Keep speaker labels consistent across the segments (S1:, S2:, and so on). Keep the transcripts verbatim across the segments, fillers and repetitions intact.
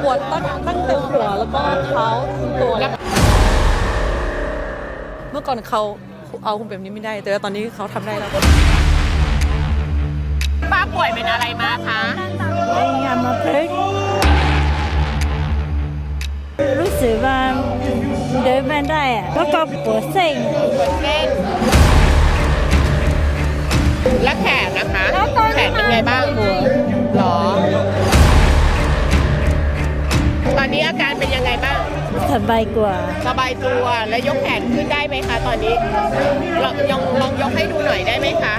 S1: วดตั้งตั้งแต่หัวแล้วก็เท้าทั้งตัวแล้วเมื่อก่อนเขาเอาคุณแบบนี้ไม่ได้แต่ว่าตอนนี้เขาทำได้แล้ว
S2: ป้าป่วยเป็นอะไรมาคะ
S3: ยามาพึกรู้สึกว่าเดินไม่ได้อะแล้วก็ปวดเส้น
S2: ปวดเส้นและแขนนะคะแขนเป็นไงบ้างหัวหรอตอนนี้อาการเป็นยังไงบ้าง
S3: สบายกว่า
S2: สบายตัวและยกแขนขึ้นได้ไหมคะตอนนี้ลองลองลองยกให้ดูหน่อยได้ไหมคะ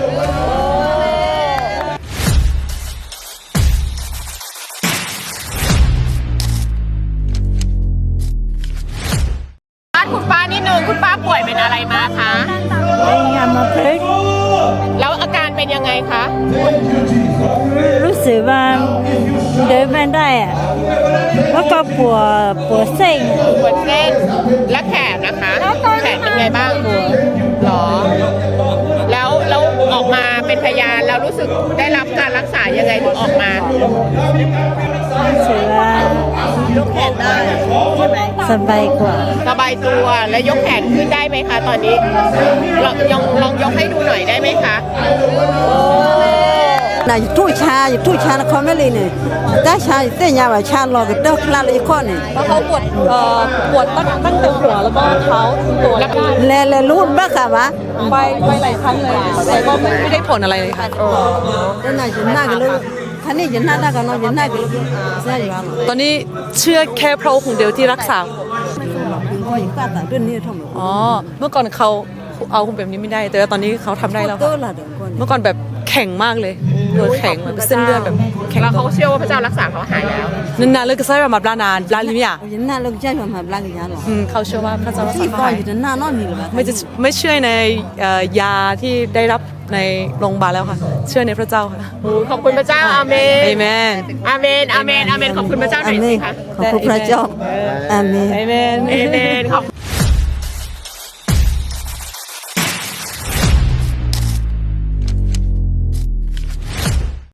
S2: คุณป้านิดนึงคุณป้าป่วยเป็นอะไรมาคะ
S3: ยามาพึก
S2: แล้วอาการเป็นยังไงคะ
S3: รู้สึกว่าเดินไม่ได้อะแล้วก็ปวดปวดเส้น
S2: ปวดเส้นและแขนนะคะแขนเป็นไงบ้างหัวหรอแล้วแล้วออกมาเป็นพยานแล้วรู้สึกได้รับการรักษายังไงถึงออกมา
S3: รู้สึกว่ายกแขนได้สบายกว่า
S2: สบายตัวและยกแขนขึ้นได้ไหมคะตอนนี้ลองลองลองยกให้ดูหน่อยได้ไหมคะ
S4: น่ะทุชาทุชาเขาไม่เลยเนี่ยแต่ชาเต้นยาวชาลอกเต้าคลาเลยข้อเนี่ย
S1: เพราะเขาปวดเอ่อปวดตั้งตั้งแต่หัวแล้วก็เท้าทั้งตัวแล้ว
S4: แลแลรูดบ้าค่ะวะ
S1: ไปไปหลายครั้งเลยแต่ก็ไม่ไม่ได้ผลอะไรเลยค่ะ
S4: แล้วน่ะจะน่ากันเลยท่านนี่จะน่าได้กันน้องจะน่ากันเลยใช่ไหม
S1: ตอนนี้เชื่อแค่พระองค์เดียวที่รักษาอ๋อเมื่อก่อนเขาเอาคุณแบบนี้ไม่ได้แต่ว่าตอนนี้เขาทำได้แล้วเมื่อก่อนแบบแข็งมากเลยตัวแข็งแบบเส้นเลือดแบบแข็ง
S2: แล้วเขาเชื่อว่าพระเจ้ารักษาเขาหายแล้ว
S1: นานๆเลยก็ใช้แบบมาบลานานบลาลิมิยา
S4: นานๆเลยใช้แบบมาบลาลิมิยาหรอ
S1: เขาเชื่อว่าพระเจ้ารักษาเขาหายไม่จะไม่เชื่อในยาที่ได้รับในโรงพยาบาลแล้วค่ะเชื่อในพระเจ้าค่ะ
S2: ขอบคุณพระเจ้าอาเมน
S1: อาเมน
S2: อาเมนอาเมนอาเมนขอบคุณพระเจ้าหน่อยสิคะ
S4: ขอบคุณพระเจ้าอาเมน
S2: อาเมนขอบ